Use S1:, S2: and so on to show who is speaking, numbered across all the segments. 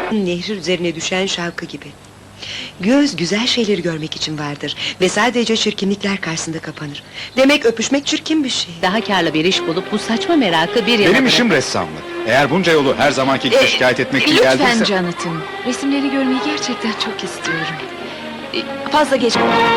S1: Nehir üzerine düşen şavkı gibi. Göz güzel şeyleri görmek için vardır ve sadece çirkinlikler karşısında kapanır. Demek öpüşmek çirkin bir şey.
S2: Daha karlı bir iş bulup bu saçma merakı bir yana
S3: Benim işim
S2: bırakın.
S3: ressamlık. Eğer bunca yolu her zamanki gibi şikayet etmek için
S4: Lütfen
S3: geldiyse...
S4: Jonathan, resimleri görmeyi gerçekten çok istiyorum. Fazla geç...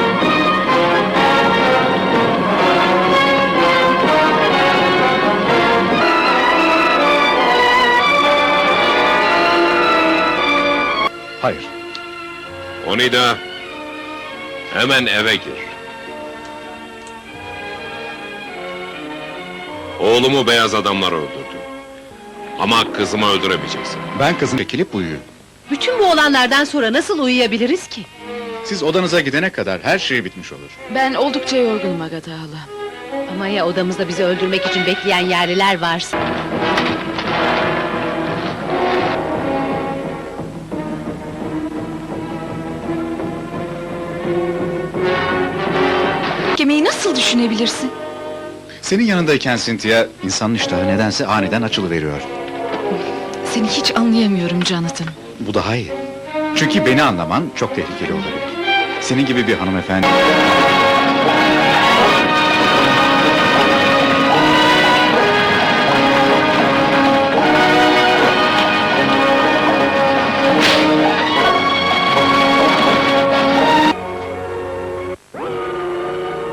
S3: Hayır.
S5: Onida, hemen eve gir. Oğlumu beyaz adamlar öldürdü. Ama kızımı öldüremeyeceksin.
S3: Ben kızım çekilip uyuyun.
S2: Bütün bu olanlardan sonra nasıl uyuyabiliriz ki?
S3: Siz odanıza gidene kadar her şey bitmiş olur.
S4: Ben oldukça yorgunum Agatha hala.
S2: Ama ya odamızda bizi öldürmek için bekleyen yerliler varsa?
S4: Yemeği nasıl düşünebilirsin?
S3: Senin yanındayken Cynthia, insanın iştahı nedense aniden açılıveriyor.
S4: Seni hiç anlayamıyorum Jonathan.
S3: Bu daha iyi. Çünkü beni anlaman çok tehlikeli olabilir. Senin gibi bir hanımefendi...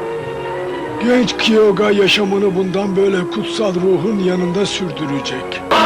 S6: Genç Kyoga yaşamını bundan böyle kutsal ruhun yanında sürdürecek.